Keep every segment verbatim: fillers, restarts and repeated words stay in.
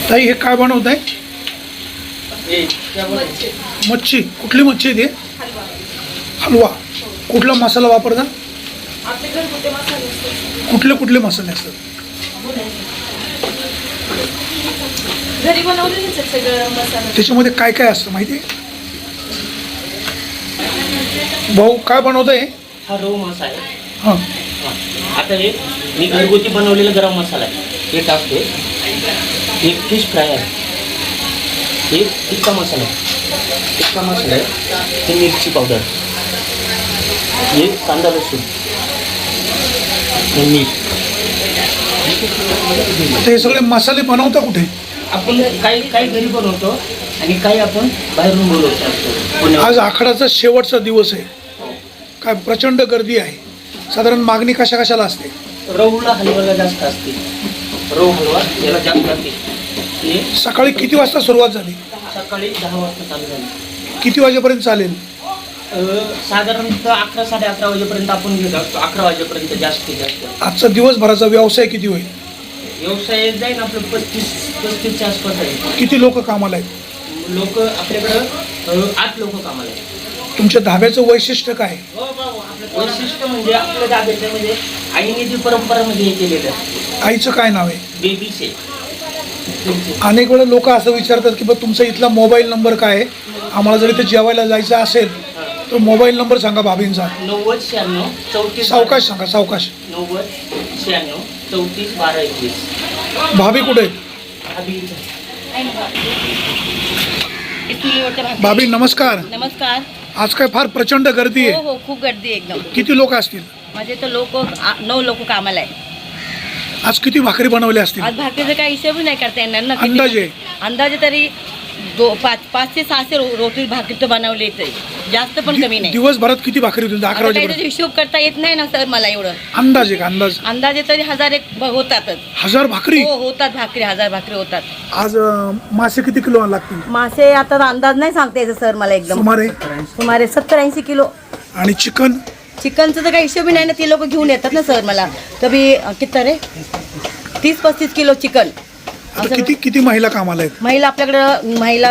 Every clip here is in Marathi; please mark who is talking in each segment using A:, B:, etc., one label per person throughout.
A: ताई हे काय बनवत आहे? मच्छी. कुठली मच्छी आहे ते? हलवा. कुठला मसाला वापरता? कुठले कुठले मसाले असतात?
B: घरी बनवलेले सगळं मसाला.
A: त्याच्यामध्ये काय काय असतं माहिती आहे? भाऊ काय बनवत आहे?
C: हा रव मसाला आहे.
A: हां
C: आता हे मी घरगुती बनवलेला गरम मसाला आहे, हे टाकते. हे फिश फ्राय आहे, हे टिक्का मसाला आहे, टिक्का मसाला आहे, हे मिरची पावडर, हे कांदा लसूण, हे मीठ.
A: आता हे सगळे मसाले बनवता कुठे?
C: आपण काही काही घरी बनवतो आणि काही आपण बाहेरून बोलवतो.
A: आज आखाडाचा शेवटचा दिवस आहे, काय प्रचंड गर्दी आहे. साधारण मागणी कशा कशाला असते?
C: रवला हलवाला जास्त असते, रव हलवा याला जास्त असते. हे
A: सकाळी किती वाजता सुरुवात झाली?
C: सकाळी दहा वाजता चालू झाली.
A: किती वाजेपर्यंत चालेल?
C: साधारणतः अकरा साडे अकरा वाजेपर्यंत आपण घेत असतो, अकरा वाजेपर्यंत जास्तीत जास्त.
A: आजचा दिवसभराचा व्यवसाय किती होईल?
C: व्यवसाय जाईल आपलं पस्तीस पस्तीसच्या आसपास आहे.
A: किती लोक कामाला आहेत?
C: लोक आपल्याकडं आठ लोक कामाला आहेत.
A: तुमच्या धाब्याचं वैशिष्ट्य काय?
C: वैशिष्ट्य म्हणजे आपल्या धाब्याचं म्हणजे आईने जी परंपरा म्हणजे हे केलेलं आहे.
A: आईचं काय नाव आहे?
C: बेबी से.
A: अनेक वेळा लोक असं विचारतात की बा तुमचा इथला मोबाईल नंबर काय आहे, आम्हाला जर इथे जेवायला जायचं असेल तर मोबाईल नंबर सांगा भाभींचा.
C: नव्वद शहाण्णव चौतीस.
A: सावकाश सांगा, सावकाश.
C: नव्वद शहाण्णव चौतीस बारा एकवीस.
A: भाभी कुठे आहेत? भाभी नमस्कार.
B: नमस्कार.
A: आज काय फार प्रचंड गर्दी
B: हो
A: आहे.
B: हो खूप गर्दी आहे एकदम.
A: किती लोक असतील?
B: माझे तर लोक नऊ लोक कामाला आहे.
A: आज किती भाकरी बनवल्या असतील?
B: आज भाकरीचा काही हिशोब नाही करता येणार ना. किती-
A: अंदाजे?
B: अंदाजे तरी दो पाच पाच ते सहाशे रो रोटी भाकरी तर बनवली तरी जास्त पण कमी नाही.
A: दिवसभरात किती भाकरी होतील? अकरा
B: आता काही त्याचा
A: वाजेपर्यंत
B: हिशोब करता येत नाही ना सर मला एवढं.
A: अंदाजे का? अंदाज
B: अंदाजे तरी हजार एक ब- होतातच.
A: हजार भाकरी?
B: हो होतात भाकरी, हजार भाकरी होतात.
A: आज अं, मासे किती किलो लागतील?
B: मासे आता अंदाज नाही सांगता यायचं सर मला एकदम.
A: सुमारे?
B: सुमारे सत्तर ऐंशी किलो.
A: आणि चिकन?
B: चिकनचं तर काही हिशोबी नाही ना, ती लोक घेऊन येतात ना सर मला. कधी किती रे तीस पस्तीस किलो चिकन.
A: आता किती किती महिला कामाला आहेत?
B: महिला आपल्याकडं महिला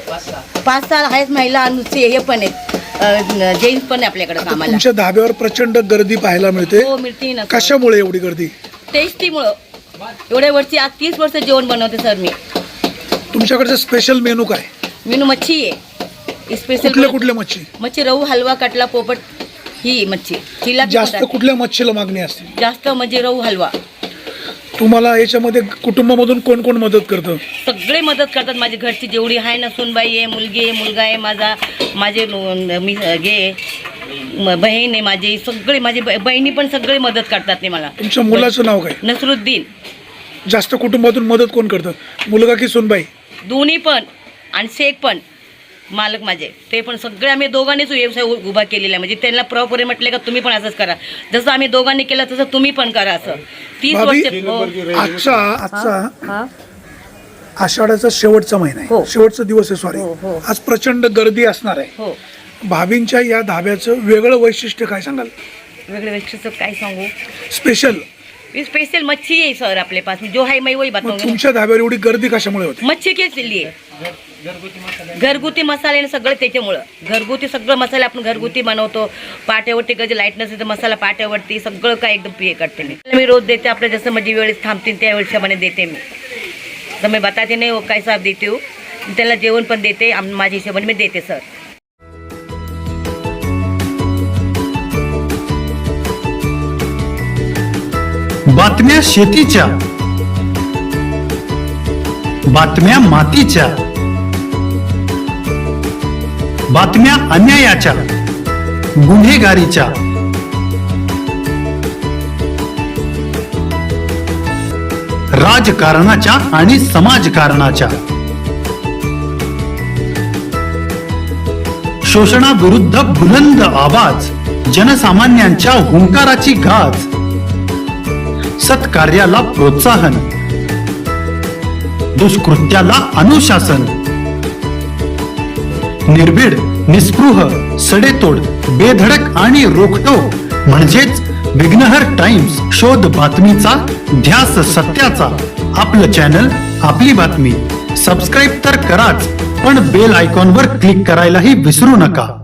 B: पाच सहा आहेत महिला आणि नुसते हे पण आहेत, जेंट्स पण आहे आपल्याकडे
A: आता
B: कामाला.
A: तुमच्या धाब्यावर प्रचंड गर्दी पाहायला मिळते.
B: हो मिळते ना.
A: कशामुळे एवढी गर्दी?
B: टेस्टीमुळं. एवढ्या वर्षी आज तीस वर्ष जेवण बनवते सर मी.
A: तुमच्याकडचं स्पेशल मेनू काय?
B: मेनू मच्छी आहे स्पेशल.
A: कुठल्या कुठल्या मच्छी?
B: मच्छी रहू, हलवा, कटला, पोपट ही मच्छी. तिला
A: जास्त कुठल्या मच्छीला मागणी असते?
B: जास्त म्हणजे रहू हलवा.
A: तुम्हाला याच्यामध्ये कुटुंबामधून कोण कोण मदत करतं?
B: सगळे मदत करतात. माझी घरची जेवढी आहे ना, सूनबाई आहे, मुलगी आहे, मुलगा आहे माझा, माझे नु- मी गे म- बहीण आहे माझी, सगळे माझी ब- बहिणी पण सगळे मदत करतात ते मला.
A: तुमच्या मुलाचं नाव काय?
B: नसरुद्दीन.
A: जास्त कुटुंबातून मदत कोण करतं, मुलगा की सुनबाई?
B: दोन्ही पण आणि शेख पण मालक माझे, ते पण सगळे आम्ही दोघांनीच व्यवसाय उ- उभा केलेला आहे. म्हणजे त्यांना प्रॉपरे म्हटले का तुम्ही पण असंच करा, जसं आम्ही दोघांनी केलं तसं तुम्ही पण करा. असं तीस
A: भाभी,
B: वर्ष. हो.
A: आजचा आजचा
B: हा.
A: आषाढाचा शेवटचा महिना आहे,
B: हो.
A: शेवटचा दिवस आहे. सॉरी,
B: हो, हो.
A: आज प्रचंड गर्दी असणार आहे.
B: हो.
A: भाभींच्या या धाब्याचं वेगळं वैशिष्ट्य काय सांगाल?
B: वेगळे वैशिष्ट्य काय सांगू?
A: स्पेशल
B: स्पेशल मच्छी आहे सर आपले पास, जो है मैं वही
A: मग
B: बताऊंगी.
A: तुमच्या धाब्यावर एवढी गर्दी कशामुळे होते?
B: मच्छी के लिए घरगुती मसाले ना सगळं त्याच्यामुळं. घरगुती सगळं मसाले आपण घरगुती बनवतो. पाट्यावरती कधी लाईट नसेल तर मसाला पाट्यावरती सगळं काय एकदम पे करते मी. मी रोज देते आपल्या जसं माझी वेळेस थांबतील त्या हिशोबाने देते मी. तर मी बताते नाही हो काय साहेब देते हो, त्याला जेवण पण देते आम- माझ्या हिशोबाने मी देते सर.
D: बातम्या शेतीच्या, बातम्या मातीच्या, बातम्या अन्यायाच्या, गुन्हेगारीच्या, राजकारणाच्या आणि समाजकारणाच्या, शोषणाविरुद्ध बुलंद आवाज, जनसामान्यांच्या हुंकाराची गाज, सत्कार्याला प्रोत्साहन, दुष्कृत्याला अनुशासन, निर्भीड, निस्पृह, सडेतोड, बेधडक आणि रोखटोक म्हणजेच विघ्नहर टाइम्स, शोध बातमीचा, ध्यास सत्याचा. आपलं चॅनल, आपली बातमी. सबस्क्राईब तर कराच, पण बेल आयकॉनवर क्लिक करायलाही विसरू नका.